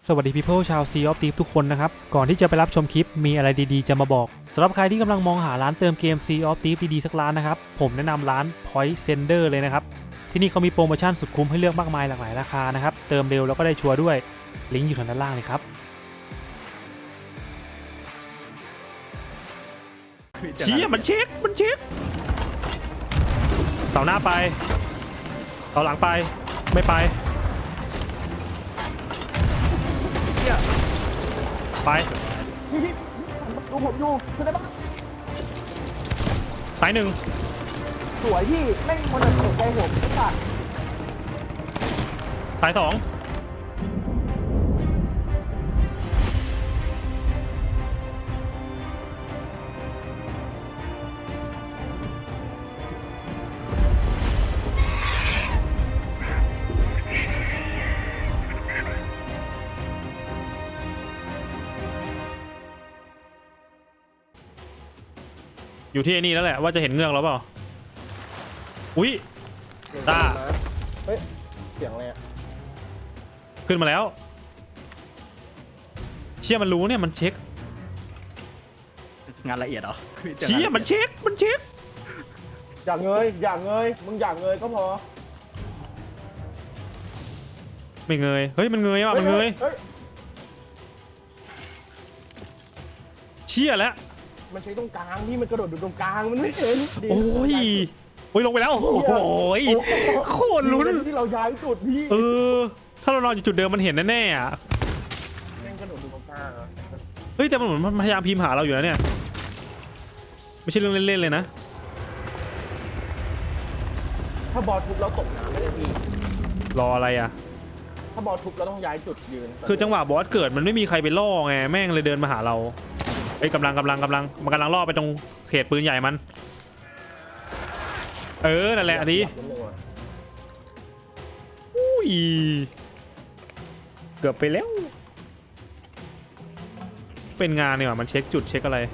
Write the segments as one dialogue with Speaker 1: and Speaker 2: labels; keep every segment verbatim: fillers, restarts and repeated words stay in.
Speaker 1: สวัสดี people ชาว Sea of Thieves ทุกคนนะครับก่อนที่จะไปรับชมคลิปมีอะไรดีๆจะมาบอกสำหรับใครที่กำลังมองหาร้านเติมเกม Sea of Thieves ดีๆสักร้านนะครับผมแนะนำร้าน Point Sender เลยนะครับที่นี่เขามีโปรโมชั่นสุดคุ้มให้เลือกมากมายหลากหลายราคานะครับเติมเร็วแล้วก็ได้ชัวร์ด้วยลิงก์อยู่ทางด้านล่างเลยครับเชี่ยมันเช็คมันเช็คเต่าหน้าไปเต่าหลังไปไม่ไปไป
Speaker 2: พี่พี่ดูผมอยู่คือได้ปะ
Speaker 1: ตายหนึ่ง
Speaker 2: สวยพี่แม่งมันเตะใจผมไม่ขาด
Speaker 1: ตายสองอยู่ที่ไอ้นี่แล้วแหละว่าจะเห็นเงือกแล้วเปล่าอุ้ยตา
Speaker 2: เฮ้ยเสียงอะไรอ่ะ
Speaker 1: ขึ้นมาแล้วเชี่ยมันรู้เนี่ยมันเช็ค
Speaker 3: งานละเอียดเหรอ
Speaker 1: เชี่ยมันเช็คมันเช็ค
Speaker 2: อยากเงยอยากเงยมึงอยากเงยก็พอ
Speaker 1: ไม่เงยเฮ้ยมันเงยว่ะมันเงยเชี่ยแล้ว
Speaker 2: มันใช้ตรงกลางที่มันกระโดดอยู่ตรงกลางมันไม่เห็น
Speaker 1: โอ้ยโอ้ยลงไปแล้วโอ้โหโคตรลุ้น
Speaker 2: ที่เราย้ายจุดพี่
Speaker 1: เออถ้าเรานอนอยู่จุดเดิมมันเห็นแน่ๆอ่ะ
Speaker 2: แม่งกระโดดอยู่ตรงกลาง
Speaker 1: เฮ้ยแต่มันเหมือนมันพยายามพิมพ์หาเราอยู่นะเนี่ยไม่ใช่เรื่องเล่นๆเลยนะ
Speaker 2: ถ้าบอลทุบเราตกน้ำไม่ได้พี่
Speaker 1: รออะไรอ่ะ
Speaker 2: ถ้าบอลทุบเราต้องย้ายจุดยืน
Speaker 1: คือจังหวะบอสเกิดมันไม่มีใครไปล่อไงแม่งเลยเดินมาหาเราไอ้กำลังกำลังกำลังมันกำลังล่อไปตรงเขตปืนใหญ่มันเออนั่นแหละดีอุ้ยเกือบไปแล้วเป็นงานเนี่ยมันเช็คจุดเช็คอะไร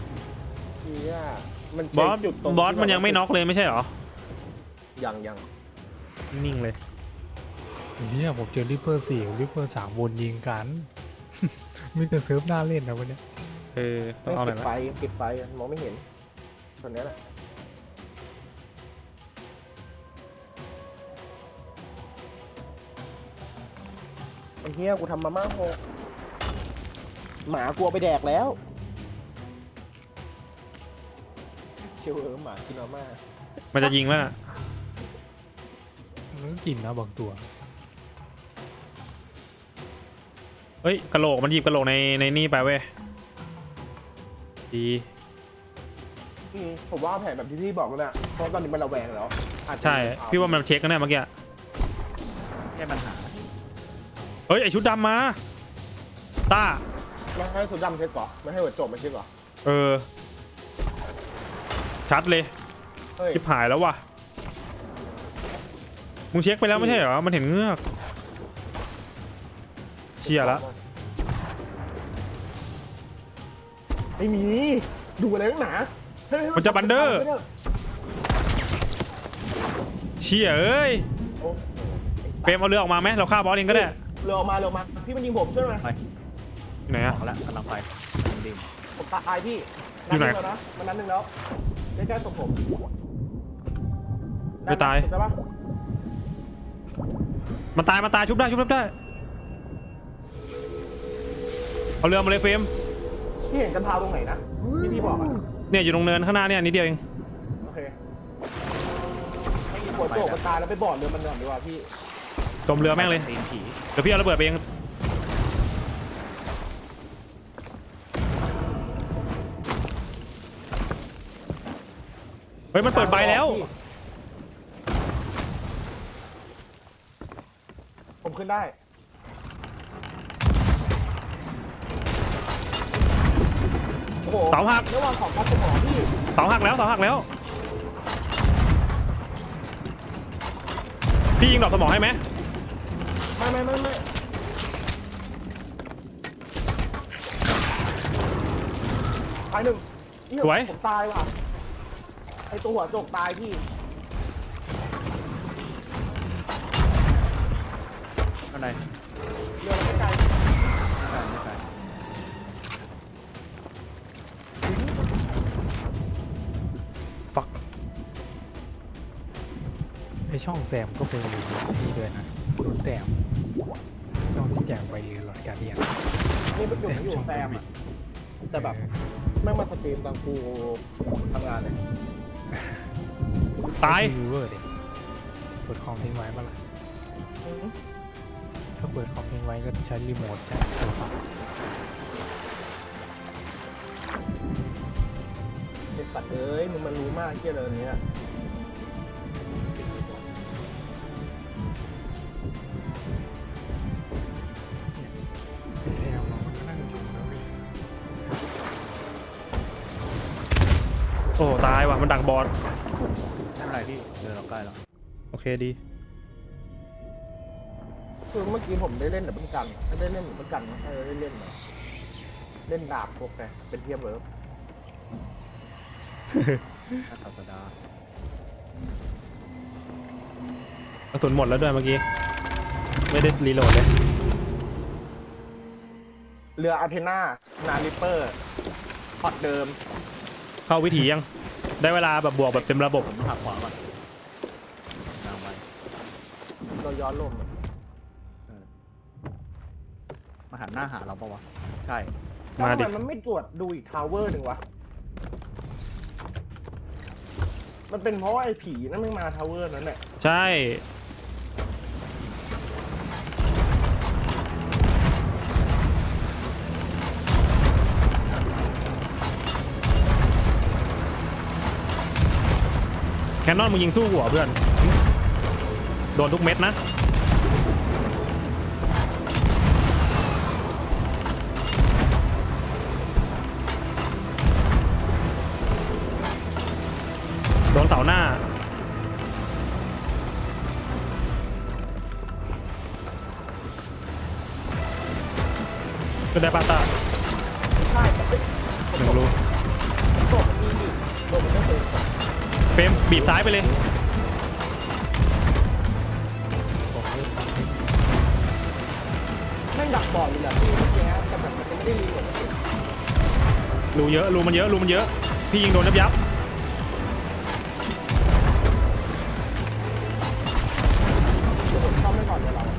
Speaker 1: บอสบอสมันยังไม่น็อกเลยไม่ใช่หรอ
Speaker 2: ยังยัง
Speaker 1: นิ่งเลย
Speaker 4: เนี่ยผมเจอริปเปอร์สี่ริปเปอร์สามวนยิงกันมีแต่เซิร์ฟหน้าเล่นนะวันนี้
Speaker 1: เออต้องเอาหน่อยนะ
Speaker 2: ปิดไฟปิดไฟมองไม่เห็นตอนนี้แหละไอ้เหี้ยกูทำมาม่าโหหมากลัวไปแดกแล้วเชียวเออหมากินมาม่า
Speaker 1: มันจะยิงแล้ว
Speaker 4: มันก็กินนะบางตัว
Speaker 1: เฮ้ยกระโหลกมันหยิบกระโหลกในในนี่ไปเว้ยดี
Speaker 2: ผมว่าแผนแบบที่พี่บอกแล้วนะเพราะตอนนี้มันระแวงแล้ว
Speaker 1: ใช่พี่ว่ามันเช็คกันแน่เมื่อกี้
Speaker 3: แค่ปัญหา
Speaker 1: เฮ้ยไอชุดดำมาตา
Speaker 2: ไม่ให้สุดดำเช็คก่อนไม่ให้หัวโจมมาเช็คก่อน
Speaker 1: เออชัดเลยชิบหายแล้วว่ะมึงเช็คไปแล้วไม่ใช่เหรอมันเห็นเงือกเชี่ยแล้ว
Speaker 2: ไม่มีดูอะไรนักหนา
Speaker 1: มันจะบันเดอร์เชี่ยเอ้ยเปรมเอาเรือออกมาไหมเราฆ่าบอสเองก็ได้
Speaker 2: เรือออกมาเรือออกมาพี่มันยิงผมช่วยไหม
Speaker 1: ไหนอะ
Speaker 3: แล้วกำลังไปดิ
Speaker 2: ผมตายพี่อยู่ไหนนะมันนั้นหนึ่งแล้วใกล้ๆศพผม
Speaker 1: ไม่ตายมันตายมันตายชุบได้ชุบได้เอาเรือมาเลยเฟรม
Speaker 2: พี่เห็นกันพาวตรงไหนนะที่พี่บอกอะ
Speaker 1: เนี่ยอยู่ตรงเนินข้างหน้าเนี่ยนิดเดียวเอง
Speaker 2: โอเคให้หัวโจกมันตายแล้วไปบอดเรือมันก่อนดีกว่าพี่
Speaker 1: จมเรือแม่งเลยเดี๋ยวพี่เอาระเบิดไปเองเฮ้ยมันเปิดใบแล้ว
Speaker 2: ผมขึ้นได้
Speaker 1: เสาหัก
Speaker 2: ระหว่างของพัดสมองพี่
Speaker 1: เสาหักแล้วเสาหักแล้วพี่ยิงดอกสมองให้ไหม
Speaker 2: ไม่ไม่ไม่ไม่ตายหนึ่ง
Speaker 1: สวย
Speaker 2: ผมตายว่ะไอตัวหัวโจกตายพี่
Speaker 1: อะไร
Speaker 2: เรือไม่ไกล
Speaker 4: ช่องแซมก็เป็นนี่ด้วยนะรุ่นแต้มช่องที่แจกไปหลอดการเดียน
Speaker 2: นี่เป็นอยู่ไม่อยู่แซมอ่ะแต่แบบแม่งมาสตรีมตอนกูทำงานเลย
Speaker 1: ตาย
Speaker 4: วิวเวอร์ดิเปิดคอมทิ้งไว้ปะล่ะถ้าเปิดคอมทิ้งไว้ก็ใช้รีโมทจากโทรศัพท์
Speaker 2: เด็กสัตว์เอ้ยมึงมันรู้มากเกี่ยวกับเนี้ย
Speaker 4: ไอแซมเรามันนั่งอยู่แล้วเว้ย
Speaker 1: โอ้ตายว่ะมันดักบอล
Speaker 3: ไม่เป็นไรพี่เดินเราใกล้แล้ว
Speaker 1: โอเคดี
Speaker 2: คือเมื่อกี้ผมได้เล่นแต่เป็นกันไม่ได้เล่นเหมือนกันนะเออได้เล่นนะเล่นดาบพวกไงเป็นเทียมเวิร์ฟ
Speaker 3: ถ้าศาสดาก
Speaker 1: ระสุนหมดแล้วด้วยเมื่อกี้ไม่ได้รีโหลดเลย
Speaker 2: เรืออาเทนานาริปเปอร์พอดเดิม
Speaker 1: เข้าวิถียังได้เวลาแบบบวกแบบเต็มระบบ
Speaker 3: ผมต้องหักขวาก่อนกลางไป
Speaker 2: เราย้อนลมอะ
Speaker 3: เออมาหันหน้าหาเราปะวะใช่
Speaker 2: แล้ว
Speaker 1: มา
Speaker 2: ทำ
Speaker 1: ดิ
Speaker 2: ไมมันไม่ตรวจดูอีกทาวเวอร์หนึ่งวะมันเป็นเพราะว่าไอ้ผีนั่นไม่มาทาวเวอร์นั้นแหละ
Speaker 1: ใช่แคนนอนมึงยิงสู้หัวเพื่อนโดนทุกเม็ดนะโดนเสาหน้าก็ได้ปาตา
Speaker 2: ใช่แต่เป็น
Speaker 1: หนึ่งรู
Speaker 2: โดดมันมีนี่โดดมันไม่เคย
Speaker 1: เฟรมบีบซ้ายไปเลย
Speaker 4: ผมเริ่มฟังเพลง
Speaker 2: แม่งดักบอลอยู่แหละพี่เมื่อกี้แต่แบบมันไม่ได้รีโหลด
Speaker 1: รูเยอะรูมันเยอะรูมันเยอะพี่ยิงโดนยับยับ
Speaker 2: เดี๋ยวผมซ่อมไม่ก่อนเดี๋ยวเรา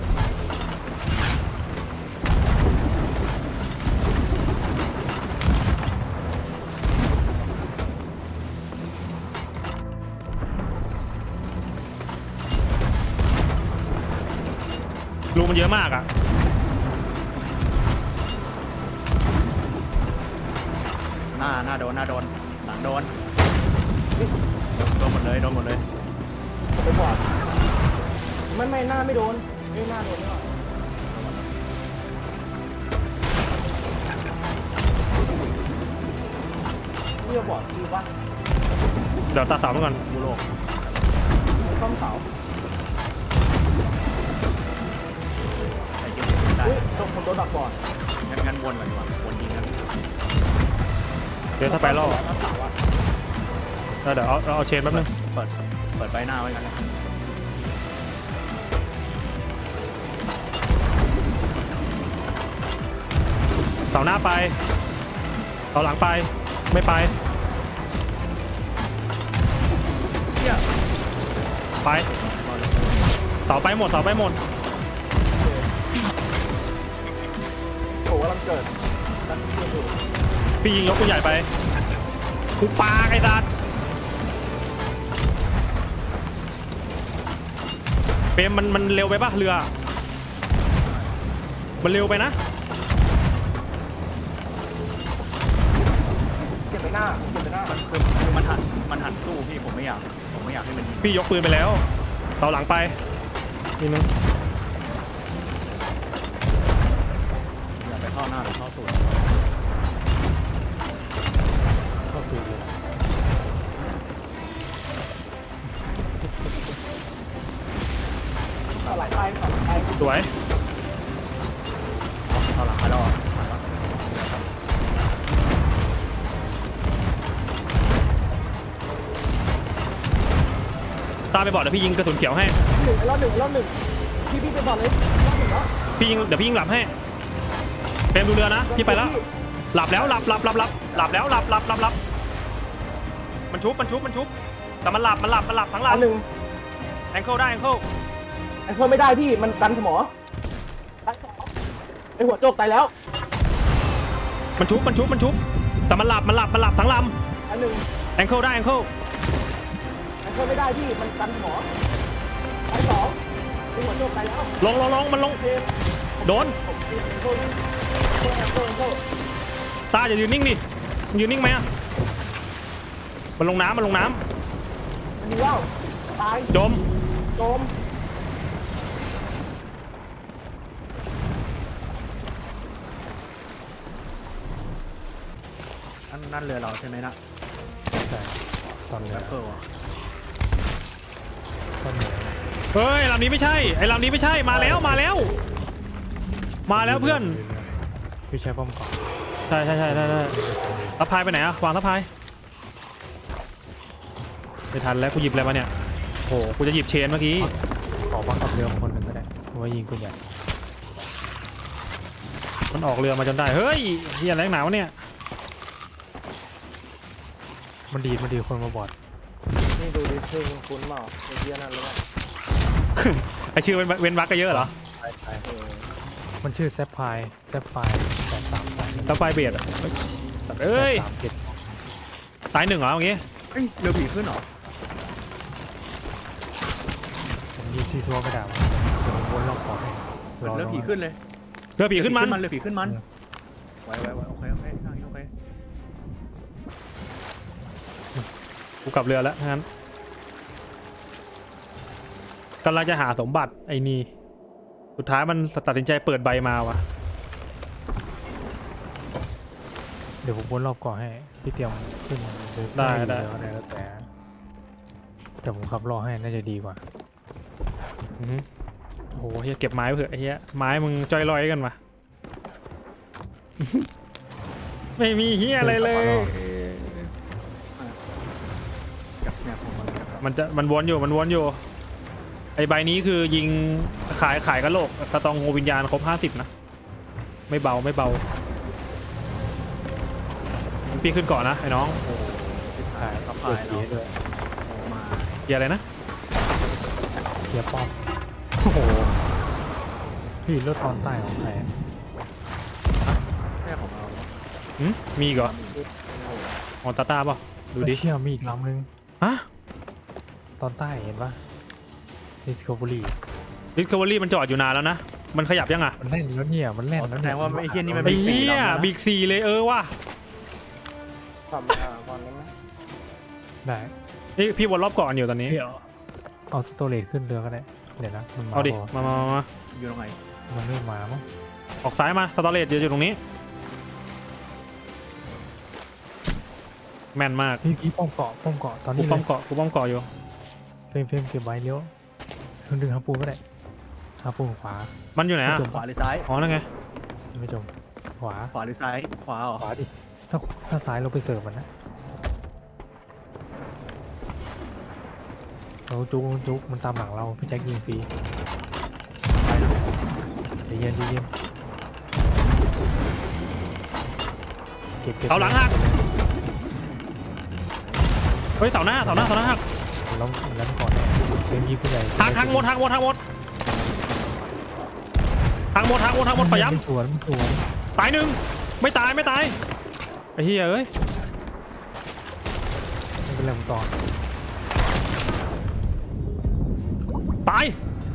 Speaker 1: รูมันเยอะมากอ่ะ
Speaker 3: หน้าหน้าโดนหน้าโดนหลังโดนโดนหมดเลยโดนหมดเลย
Speaker 2: ผมไปก่อนไม่ไม่หน้าไม่โดนไม่หน้าโดนไม่หรอกพี่จะบอกคือว่า
Speaker 1: เดี๋ยวตัดเสาไปก่อน
Speaker 3: บูโลก
Speaker 2: ซ่อมเสา
Speaker 3: ใส่เกมได้
Speaker 2: เฮ้ยตรงผมโดนดักบอล
Speaker 3: งั้นงั้นวนก่อนดีกว่าวนยิงกัน
Speaker 1: เดี๋ยวถ้าไปล่อ
Speaker 2: แล้วเสาอะ
Speaker 1: เออเดี๋ยวเอาเอาเชนแป๊บนึง
Speaker 3: เปิดเปิดใบหน้าไว้กันนะ
Speaker 1: เสาหน้าไปเสาหลังไปไม่ไป
Speaker 3: เฮีย
Speaker 1: ไปเสาไปหมดเสาไปหมด
Speaker 2: โอ้กำลังเกิดนั่นคืออยู่
Speaker 1: พี่ยิงยกตัวใหญ่ไปกูปาไอ้สัตว์เฟรมมันมันเร็วไปปะเรือมันเร็วไปนะ
Speaker 2: เก็บไปหน้าเก็บไปหน้า
Speaker 3: มันคือคือมันหันมันหันสู้พี่ผมไม่อยากผมไม่อยากให้มันยิง
Speaker 1: พี่ยกปืนไปแล้วเสาหลังไปนี่นึง
Speaker 3: อย่าไปเข้าหน้าหรือเข้าสูด
Speaker 4: เข้าตูดเลย
Speaker 2: เอาหลายไปหลายไป
Speaker 1: สวย
Speaker 3: เข้าหลังไปแล้วอ่ะไปแล้ว
Speaker 1: ตามไปบอกเดี๋ยวพี่ยิงกระสุนเขียวให้
Speaker 2: หนึ่งรอบหนึ่งรอบหนึ่งพี่พี่ไปบอลเลยรอบหนึ่งแล้ว
Speaker 1: พี่ยิงเดี๋ยวพี่ยิงหลับให้เฟรมดูเรือนะพี่ไปแล้วหลับแล้วหลับหลับหลับหลับหลับแล้วหลับหลับหลับหลับมันชุบมันชุบมันชุบแต่มันหลับมันหลับมันหลับทั้งหลั
Speaker 2: อั
Speaker 1: บ
Speaker 2: นหนึ่ง
Speaker 1: แองเกิลได้แองเกิล
Speaker 2: ไอ้เพิ่มไม่ได้พี่มันกันสมอตายสองไอ้หัวโจกตายแล้ว
Speaker 1: มันชุบมันชุบมันชุบแต่มันหลับมันหลับมันหลับทั้งล
Speaker 2: อันหนึ่ง
Speaker 1: ำแองเกิลได้แองเกิล
Speaker 2: ไอ้เพิ่มไม่ได้พี่มันกันสมอตายสองไอ้หัวโจกตายแล้ว
Speaker 1: ลงลงลงมันลง
Speaker 2: เทม
Speaker 1: โดน
Speaker 2: ผมเทมโทษโทษโทษโทษ
Speaker 1: ตาอย่ายืนนิ่งดิมึงยืนนิ่งไหมอะมันลงน้ำมันลงน้
Speaker 2: มันดีแล้วตาย
Speaker 1: ำจม
Speaker 2: โจม
Speaker 3: นั่นนั่นเรือเราใช่ไหมนะ
Speaker 4: ใช่ตอนเหนื
Speaker 3: แร
Speaker 4: อ
Speaker 3: ปเปอร์
Speaker 4: ตอนเหนือ
Speaker 1: เฮ้ยลำนี้ไม่ใช่ไอ้ลำนี้ไม่ใช่มาแล้วมาแล้ว มาแล้วเพื่อน
Speaker 4: พี่ใช้ป้อมเกาะ
Speaker 1: ใช่ใช่ใช่ใช่ใช่ทัพพายไปไหนอะวางทัพพายไม่ทันแล้วกูหยิบอะไรมาเนี่ยโอ้โหกูจะหยิบเชนเมื่อกี้
Speaker 4: ขอบังคับเรือมาคนหนึ่งก็ได้เพราะว่ายิงคุณใหญ่
Speaker 1: มันออกเรือมาจนได้เฮ้ยเฮียอะไรหนาวะเนี่ย
Speaker 4: มันดีดมันดีดคนมาบอด
Speaker 2: นี่ดูดิชื่อคุณคุ้นเปล่าไอ้เหี้ยนั่นหรือเปล่า
Speaker 1: ไอชื่อเว้นเว้นวักก็เยอะเหรอ
Speaker 4: ใช่ใช่
Speaker 2: เออ
Speaker 4: มันชื่อแซฟไพร์แซฟไพร์แปดสามสาม
Speaker 1: ทัพพายเบียดอะเอ้ย
Speaker 4: สามเจ็ด
Speaker 1: ตายหนึ่งเหรอเมื่อกี้
Speaker 3: เฮ้ยเรือผีขึ้นเหรอ
Speaker 4: ผมยิงซีซัวไม่ได้วะเดี๋ยวผมวนรอบเกาะให้
Speaker 3: เหมือนเรือผีขึ้นเลย
Speaker 1: เรือผีขึ้นมัน
Speaker 3: เรือผีขึ้นมันไว้ไว้ไว้โอเคโอเคทางนี้โอเค
Speaker 1: กูกลับเรือแล้วงั้นกำลังจะหาสมบัติไอ้นี่สุดท้ายมันตัดสินใจเปิดใบมาวะ
Speaker 4: เดี๋ยวผมวนรอบเกาะให้พี่เตรียมขึ้นหรือ
Speaker 1: ได้
Speaker 4: ม่
Speaker 1: ได้
Speaker 4: เรืออะไรแล้วแต่แต่ผมขับรอให้น่าจะดีกว่า
Speaker 1: อือหือโอ้โหเฮียเก็บไม้ไว้เถอะไอ้เฮียไม้มึงจอยลอยกันวะ ไม่มีเฮียอะไรเลย
Speaker 3: กับเนี่ยผมมันกับ
Speaker 1: มันจะมันวนอยู่มันวนอยู่ไอใบนี้คือยิงขายขายกระโหลกกระตองงูวิญญาณครบห้าสิบนะไม่เบาไม่เบาพี่ขึ้นก่อนนะไอ้น้อง
Speaker 3: ถ่ายกับ
Speaker 4: เปิ
Speaker 3: พา
Speaker 4: ด
Speaker 3: ย
Speaker 4: ผี
Speaker 3: เนาะ
Speaker 4: ด้วย
Speaker 3: ออกมา
Speaker 1: เฮียอะไรนะ
Speaker 4: เกียร์ป้อม
Speaker 1: โอ้โห
Speaker 4: พี่รถตอนใต้ของใครอะ
Speaker 3: แค่ของเรา
Speaker 1: หึมีอีกเหรอออนตาตาป่ะดูดิ
Speaker 4: เชี่ยมีอีกลำนึง
Speaker 1: ฮะ
Speaker 4: ตอนใต้เห็นปะ Discovery
Speaker 1: ดิสคัฟเวอรี่มันจอดอยู่นานแล้วนะมันขยับยังอ่ะ
Speaker 4: มันแล่นแล้วเนี่ยมันแล่น
Speaker 3: แส
Speaker 4: แล้ว
Speaker 3: ด
Speaker 4: เนี่ย
Speaker 3: งว่าไอ้เฮียนี่มัน
Speaker 1: ไอ้
Speaker 3: มีสี่
Speaker 1: เหี้ย
Speaker 3: ลำแล้วนะ
Speaker 1: บิ๊กซีเลยเออว่ะ
Speaker 2: ทำอ่าก่อนได้ไหม
Speaker 4: ได้
Speaker 1: นี่พี่วนรอบก่อนอยู่ตอนนี้
Speaker 4: พี่เอาเอาสโตเรจขึ้นเรือก็ได้เดี๋ยวนะมันมา
Speaker 1: เอาดิ
Speaker 4: พ
Speaker 1: มามามามา
Speaker 3: อยู่ตรงไหน
Speaker 4: มันไม่มามั้ง
Speaker 1: ออกซ้ายมาสตอเรจอยู่ตรงนี้แม่นมาก
Speaker 4: พี่พี่ป้อมเกาะป้อมเกาะตอน
Speaker 1: กู
Speaker 4: นี้เล
Speaker 1: ป้อม
Speaker 4: ย
Speaker 1: เกาะกูป้อมเกาะอยู่
Speaker 4: เฟรมเฟรมเก็บไว้เลี้ยวดึงหาปูก็ได้หาปูขวา
Speaker 1: มันอยู่ไหนอ่ะ
Speaker 4: จม
Speaker 3: ขวาหรือซ้าย
Speaker 1: อ๋อนั่นไง
Speaker 4: ไม่จมขวา
Speaker 3: ขวาหรือซ้ายขวาเหรอ
Speaker 4: ขวาดิถ้าถ้าซ้ายเราไปเสิร์ฟมันนะเราจุกจุกมันตามหลังเราพี่แจ็คยิงฟรี
Speaker 3: ซ้ายนะ
Speaker 4: ใจเย็นใจเย็นเก็บเก็บ
Speaker 1: เอาหลังหักเฮ้ยเสาหน้าเสาหน้าเสาหน้าหัก
Speaker 4: ล้มล้มก่อนเฟรมยิงผู้ใหญ่
Speaker 1: หักหักหมดหักหมดหักหมดหักหมดหักหมดหักหมดขอย้
Speaker 4: มันสวนมันสวน
Speaker 1: ำตายหนึ่งไม่ตายไม่ตายไอ้เหี้ยเอ้ย
Speaker 4: ไม่เป็นไรผมต่อ
Speaker 1: ตาย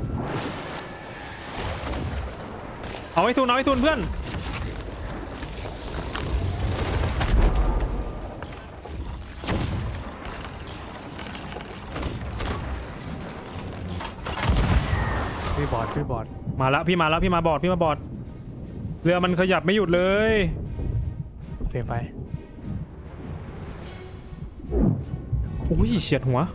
Speaker 1: เอาไอ้ทุนเอาไอ้ทุนเพื่อน
Speaker 4: พี่บอดพี่บอด
Speaker 1: มาแล้วพี่มาแล้วพี่มาบอดพี่มาบอดเรือมันขยับไม่หยุดเลย
Speaker 4: เฟรมไป
Speaker 1: อุ้ยเฉียดหัว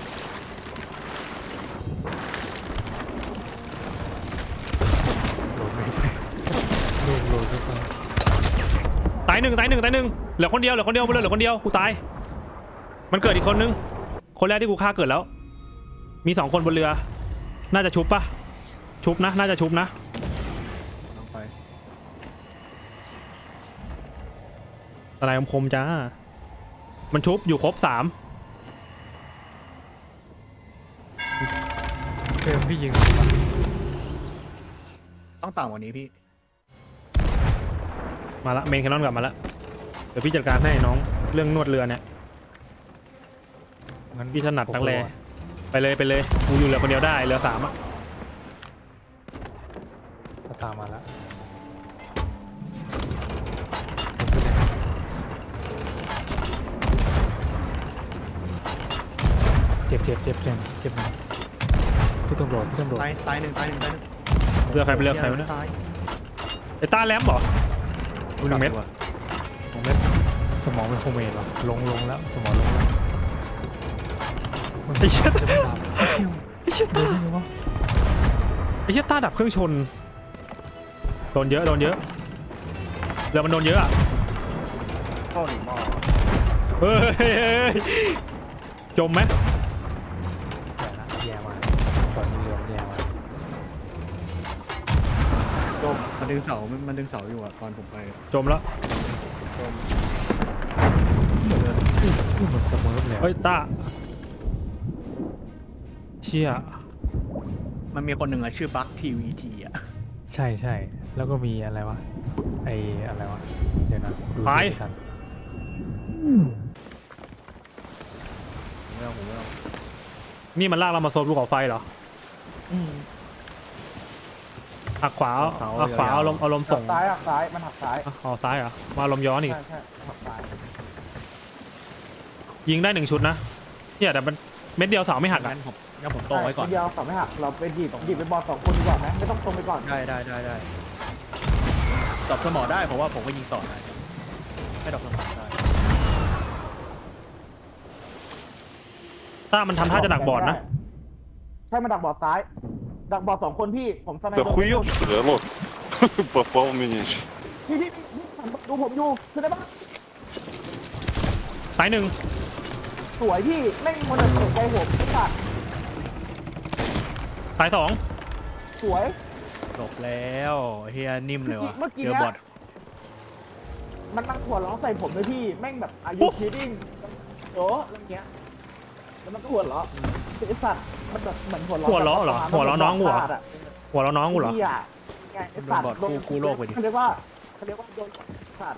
Speaker 4: โหลดไม่ไปโหลดโหลดไม่ไป
Speaker 1: ตายหนึ่งตายหนึ่งตายหนึ่งเหลือคนเดียวเหลือคนเดียวบนเรือเหลือคนเดียวกูตายมันเกิดอีกคนนึงคนแรกที่กูฆ่าเกิดแล้วมีสองคนบนเรือน่าจะชุบปะชุบนะน่าจะชุบนะ
Speaker 3: ลงไป
Speaker 1: อะไรคมๆจ้ามันชุบอยู่ครบสาม
Speaker 4: พี่ยิงถูกปะ
Speaker 3: ต้องต่ำกว่านี้พี่
Speaker 1: มาละเมนแคนนอนกลับมาละเดี๋ยวพี่จัดการให้น้องเรื่องนวดเรือเนี่ย
Speaker 4: งั้น
Speaker 1: พี่ถนัดนักแลไปเลยไปเลยกูอยู่เรือคนเดียวได้เรือสามอะ
Speaker 4: ก็ตามมาแล้วเจ็บเจ็บเจ็บเจ็บเจ็บหนึ่งพี่ตำรวจพี่ตำรวจ
Speaker 3: ตายตายหนึ่งตายหนึ่งตายหนึ่ง
Speaker 1: เรือใครเป็นเรือใครวะเนี่ย
Speaker 3: ตาย
Speaker 1: ไอ้ต้าแลมเหรอดูหนึ่งเม็ด
Speaker 4: สองเม็ดสมองเป็นโคเมดวะลงลงแล้วสมองลงแล้ว
Speaker 1: ไอ้เชี่ย
Speaker 4: จะไม่ดับ
Speaker 1: ไอ้เชี่ย
Speaker 4: เดี๋
Speaker 1: ต้า
Speaker 4: ยวนี่วะ
Speaker 1: ไอ้เชี่ยต้าดับเครื่องชนโดนเยอะโดนเยอะเรือมันโดนเยอะอะ
Speaker 3: เข้าหนีหม้อ
Speaker 1: เฮ้ยจมไหม
Speaker 4: แย่ละแย่มาตอนนี้เรือมันแย่มา
Speaker 2: จม
Speaker 3: มันดึงเสามันมันดึงเสาอยู่อะตอนผมไป
Speaker 1: จมแล้ว
Speaker 2: จม
Speaker 4: เรือชื่อชื่อเหมือนเสมอเลย
Speaker 1: เฮ้ยต้าเชี่ย
Speaker 3: มันมีคนหนึ่งอะชื่อบัคทีวีทีอะ
Speaker 4: ใช่ใช่แล้วก็มีอะไรวะไออะไรวะเดี๋ยวนะดูชื่อไม่ทัน
Speaker 3: ผมไม่เอาผมไม่เอา
Speaker 1: นี่มันลากเรามาโซนภูเขาไฟเหรอหักขวาเอาขวาเอาลมเอาลม
Speaker 2: หั
Speaker 1: ส่
Speaker 2: ก
Speaker 1: ง
Speaker 2: ซ้ายหักซ้ายมันหักซ้าย
Speaker 1: อ่ะเอาซ้ายเหรอมาลมย้อนอีก
Speaker 2: ใช่ใช่หักซ้าย
Speaker 1: ยิงได้หนึ่งชุดนะเนี่ยแต่มันเม็ดเดียวเสาไม่หักอ่ะ
Speaker 3: งั้นผมงั้นผมตรงไว้ก่อน
Speaker 2: ทีเดียวสองไม่หักเราไปหยิบหยิบไปบอลสองคนดีกว่าไหมไม่ต้องตรงไปก่อน
Speaker 3: ได้ได้ได้ได้ดรอปสมอได้เพราะว่าผมก็ยิงต่อได้ให้ดรอปสมอได้
Speaker 1: ต้ามันทำท่าจะดักบอดนะ
Speaker 2: ใช่มันดักบอดซ้าย ดักบอดสองคนพี่ผมสไน
Speaker 5: Да
Speaker 2: เปอร์
Speaker 5: хуёв, что ли, алло? Попал в меня ещё.
Speaker 2: พี่พี่พี่ดูผมอยู่คือได้ปะ
Speaker 1: สายหนึ่ง
Speaker 2: สวยพี่แม่งมันเปิดใจผมไอ้สัตว์
Speaker 1: สายสอง
Speaker 2: สวย
Speaker 3: จบแล้วเฮียนิ่มเลยวะ
Speaker 2: เมื่อกี้
Speaker 3: เจอ
Speaker 2: เนี้ย
Speaker 3: บอท
Speaker 2: มันมันหัวเราะใส่ผมเลยพี่แม่งแบบอายุคิดดิ้งโอ้อะไรเงี้ยแล้วมันก็หัวเราะไอ้สัตว์มันแบบเหมือนหัวเราะ
Speaker 1: หัวเราะเหรอหัวเราะน้องกูเหรอ
Speaker 2: อะ
Speaker 1: หัวเราะน้องกูเหรอ
Speaker 2: พี่อะไงไอ้สัตว์
Speaker 3: โดนบอทกู้กู้โลกไปดิ
Speaker 2: เขาเรียกว่าเขาเรียกว่าโดนสัตว์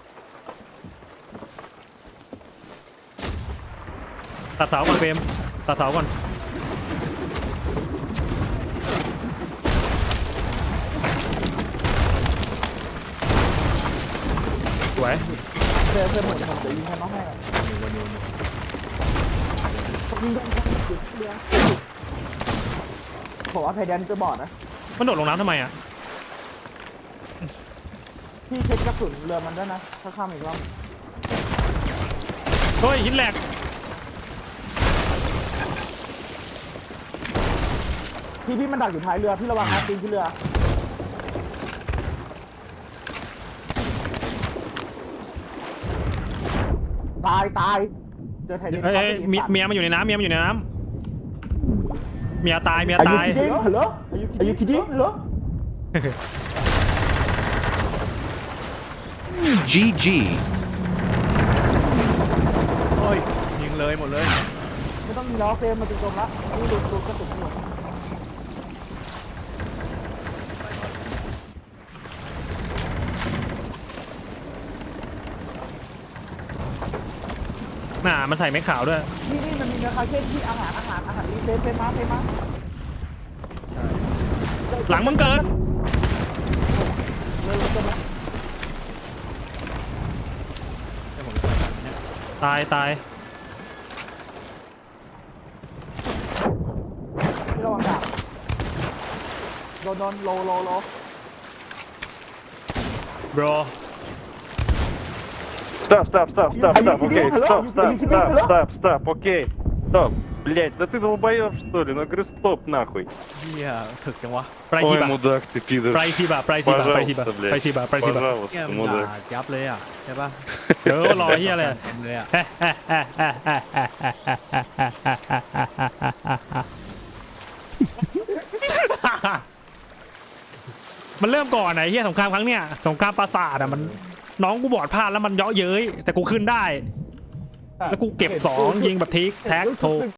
Speaker 1: ตัดเสาก่อนเฟรมตัดเสาก่อนสวย
Speaker 2: เจอเจอหมดผมเดี๋ยวยิงให้น้องให้อะ
Speaker 3: อยู่วนอยู่วนอยู่
Speaker 2: ผมยิงโดนคนจุดเรือผมว่าไทยแดนจะบอดนะ
Speaker 1: มันโดดลงน้ำทำไมอ่ะ
Speaker 2: พี่เช็คกระสุนเรือมันด้วยนะถ้าข้ามอีกรอบ
Speaker 1: เฮ้ยหินแหลก
Speaker 2: พี่พี่มันดักอยู่ท้ายเรือพี่ระวังนะตีนที่เรือตายตายเจอไทยแดน
Speaker 1: เอ้ยเอ้ยเมียเมียมันอยู่ในน้ำเมียมันอยู่ในน้ำเมียตายเมีย
Speaker 2: อายุ
Speaker 1: ตาย
Speaker 2: คิดดิ้งฮัลโหลอายุคิดดิ้งฮัลโหล
Speaker 5: джи джи.
Speaker 3: โอ้ยยิงเลยหมดเลย
Speaker 2: ไม่ต้องมีล้อเฟรมมาถึงตรงละนี่ดูดูกระสุนอยู่
Speaker 1: น่ามันใส่ไม้ขาวด้วย
Speaker 2: นี่นี่มันมีเนื้อคาเค้นที่อาหารอาหารอาหารนี่เฟรมเฟรมมาเฟรมมา
Speaker 1: หลังมึงเกิด
Speaker 2: เลยเลยเลย
Speaker 3: ให้ผมไปทำเนี่ย
Speaker 1: ตายตาย
Speaker 2: พี่ระวังดาบโดนโดนโลโลโล
Speaker 1: bro
Speaker 5: Стоп, стоп, стоп, стоп,
Speaker 2: Are you
Speaker 5: стоп, окей,
Speaker 2: kidding? Hello?
Speaker 5: стоп,
Speaker 2: Are
Speaker 5: стоп,
Speaker 2: you kidding?
Speaker 5: стоп,
Speaker 2: Hello?
Speaker 5: стоп, стоп, окей, стоп. Блять, да ты долбоёб, что ли? Ну говорю, стоп, нахуй.
Speaker 3: เฮียถึกจังวะ
Speaker 1: ไปสิ
Speaker 5: Ой,
Speaker 1: บะ
Speaker 5: мудак ты, пидор.
Speaker 1: ไปสิบะไปสิบะไปสิบะ
Speaker 5: Пожалуйста,
Speaker 1: ไปสิ
Speaker 5: блядь.
Speaker 1: บะไปสิบะ
Speaker 3: เฮีย
Speaker 5: Пожалуйста,
Speaker 3: มันด่า
Speaker 5: мудак.
Speaker 3: ยับเลยอ่ะใช่ปะ
Speaker 1: เดี๋ยวรอเฮียอะไร
Speaker 3: เต็มเลยอ่ะ
Speaker 1: มันเริ่มก่อนไหนเฮียสงครามครั้งเนี้ยสงครามปราสาทอะมันน้องกูบอดพลาดแล้วมันเยาะเย้ยแต่กูขึ้นได้ แล้วกูเก็บสองยิงแบบทิกแท็กโท